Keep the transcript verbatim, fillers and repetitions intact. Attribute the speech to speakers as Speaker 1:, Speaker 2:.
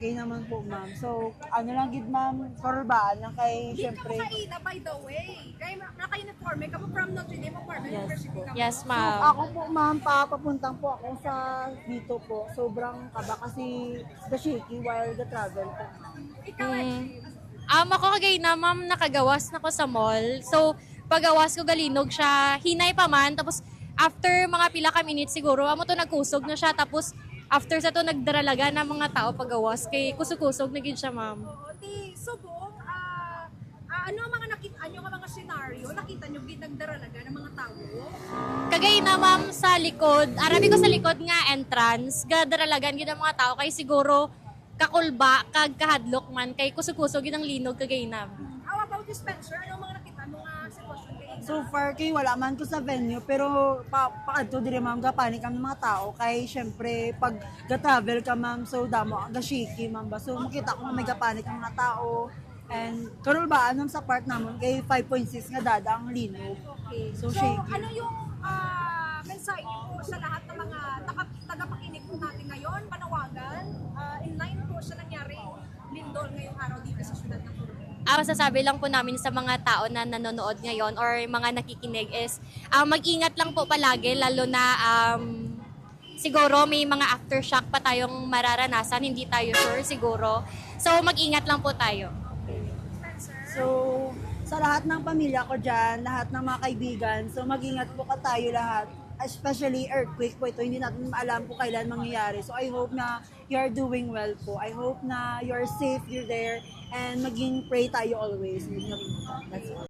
Speaker 1: Okay naman po, ma'am. So, ano lang gid, ma'am, korbaan lang kay,
Speaker 2: Di ka
Speaker 1: syempre,
Speaker 2: makaila, by the way. Kaya naka-uniform, ka mo from Notre Dame of Parma
Speaker 1: Yes
Speaker 2: University
Speaker 1: po.
Speaker 2: ka mo.
Speaker 3: Yes,
Speaker 1: so,
Speaker 3: ma'am.
Speaker 1: ako po, ma'am, papapuntang po ako sa dito po. Sobrang kaba kasi the shaky while the travel po.
Speaker 2: Ikaw,
Speaker 3: Mm.
Speaker 2: Edgy.
Speaker 3: Um, ako kagay na, ma'am, nakagawas na ko sa mall. So, pagawas ko galinog siya, hinay pa man. Tapos, after mga pila ka minutes siguro, amo to nagkusog na siya. Tapos, after sa to, nagdaralaga ng mga tao pagawas. Kay kusog-kusog na gid siya, ma'am.
Speaker 2: Oo, di subong, ah, ah, ano ang mga nakita nyo, ang mga senaryo, nakita nyo ginagdaralaga ng mga tao?
Speaker 3: Kagay na, ma'am, sa likod, arabi ko sa likod nga entrance, gadaralagan gid ang mga tao. Kay siguro, kakulba, kag kahadlok man, kay kusog-kusog gid ang linog kagay na.
Speaker 2: How about you, Spencer? Ano ang mga nakita mo nga sitwasyon kayo?
Speaker 1: So far kay wala man ko sa venue pero pa paadto diri, ma'am, gapanik kami mga tao kay syempre pag ga-travel ka, ma'am, so damo ga shaky, ma'am, ba, so makita ko nga may gapanik ang mga tao and karol ba anong sa part namon kay five point six nga dada ang linog.
Speaker 2: Okay.
Speaker 1: So,
Speaker 2: So,
Speaker 1: shaky.
Speaker 2: ano yung ah, mensahe po sa lahat ng mga taka- tagapakinig po natin ngayon, panawagan, ah, in line po sa nangyari lindol ngayong araw dito sa syudad ng Turbo?
Speaker 3: Ang masasabi lang po namin sa mga tao na nanonood ngayon or mga nakikinig is ah, mag-ingat lang po palagi lalo na um, siguro may mga aftershock pa tayong mararanasan, hindi tayo sure siguro. So mag-ingat lang po tayo.
Speaker 2: Spencer?
Speaker 1: So sa lahat ng pamilya ko dyan, lahat ng mga kaibigan, so mag-ingat po ka tayo lahat. Especially earthquake po ito, hindi natin alam po kailan mangyayari. So I hope na you're doing well po. I hope na you're safe, you're there, and maging pray tayo always. That's all.